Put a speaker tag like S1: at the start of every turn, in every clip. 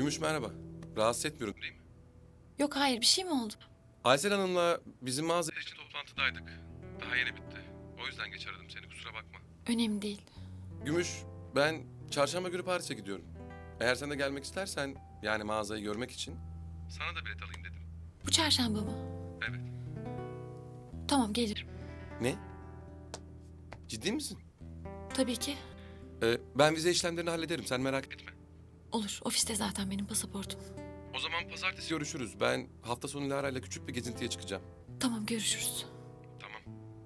S1: Gümüş merhaba. Rahatsız etmiyorum değil mi?
S2: Yok hayır, bir şey mi oldu?
S1: Aysel Hanım'la bizim mağaza için toplantıdaydık. Daha yeni bitti. O yüzden geç aradım seni, kusura bakma.
S2: Önemli değil.
S1: Gümüş, ben çarşamba günü Paris'e gidiyorum. Eğer sen de gelmek istersen, yani mağazayı görmek için... Sana da bilet alayım dedim.
S2: Bu çarşamba mı?
S1: Evet.
S2: Tamam, gelirim.
S1: Ne? Ciddi misin?
S2: Tabii ki.
S1: Ben vize işlemlerini hallederim, sen merak etme.
S2: Olur, ofiste zaten benim pasaportum.
S1: O zaman pazartesi görüşürüz. Ben hafta sonu Lara ile küçük bir gezintiye çıkacağım.
S2: Tamam, görüşürüz.
S1: Tamam.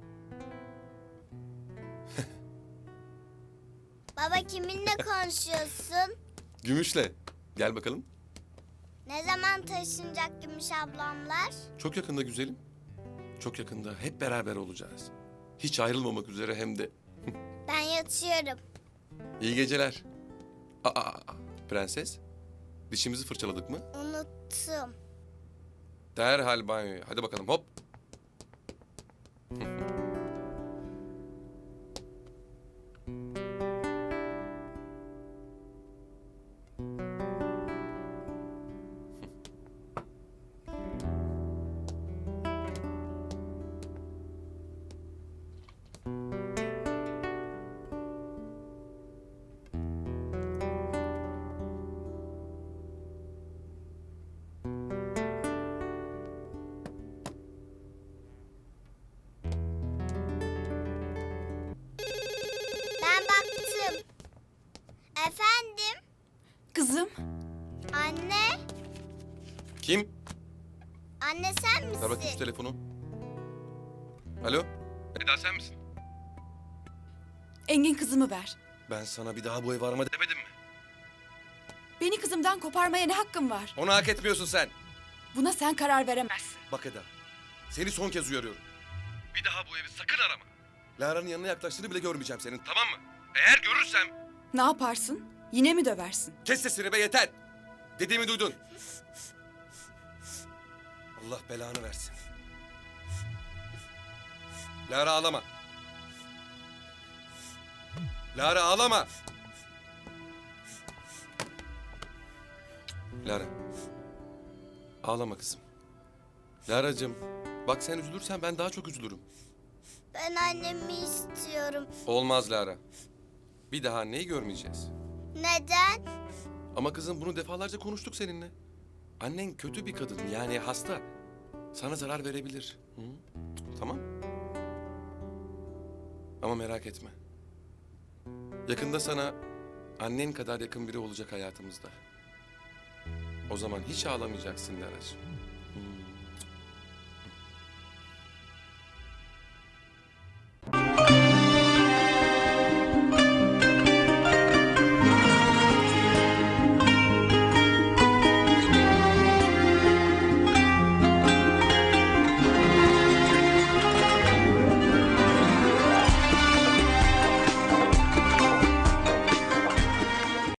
S3: Baba kiminle konuşuyorsun?
S1: Gümüş'le. Gel bakalım.
S3: Ne zaman taşınacak Gümüş ablamlar?
S1: Çok yakında güzelim. Çok yakında hep beraber olacağız. Hiç ayrılmamak üzere hem de.
S3: Ben yatıyorum.
S1: İyi geceler. Prenses. Dişimizi fırçaladık mı?
S3: Unuttum.
S1: Derhal banyoya. Hadi bakalım hop.
S3: Ben baktım. Efendim?
S2: Kızım,
S3: Anne?
S1: Kim?
S3: Anne sen
S1: Ver bakayım şu
S3: misin?
S1: telefonu. Alo? Eda sen misin?
S4: Engin kızımı ver.
S1: Ben sana bir daha bu evi arama demedim mi?
S4: Beni kızımdan koparmaya ne hakkın var?
S1: Onu hak etmiyorsun sen.
S4: Buna sen karar veremezsin.
S1: Bak Eda. Seni son kez uyarıyorum. Bir daha bu evi sakın arama. Lara'nın yanına yaklaştığını bile görmeyeceğim senin, tamam mı? Eğer görürsem...
S4: Ne yaparsın? Yine mi döversin?
S1: Kes sesini be, yeter. Dediğimi duydun. Allah belanı versin. Lara ağlama. Lara ağlama. Lara. Ağlama kızım. Lara'cığım, bak sen üzülürsen ben daha çok üzülürüm.
S3: Ben annemi istiyorum.
S1: Olmaz Lara. Bir daha anneyi görmeyeceğiz.
S3: Neden?
S1: Ama kızım bunu defalarca konuştuk seninle. Annen kötü bir kadın, yani hasta. Sana zarar verebilir. Hı? Tamam. Ama merak etme. Yakında sana annen kadar yakın biri olacak hayatımızda. O zaman hiç ağlamayacaksın Lara'cığım.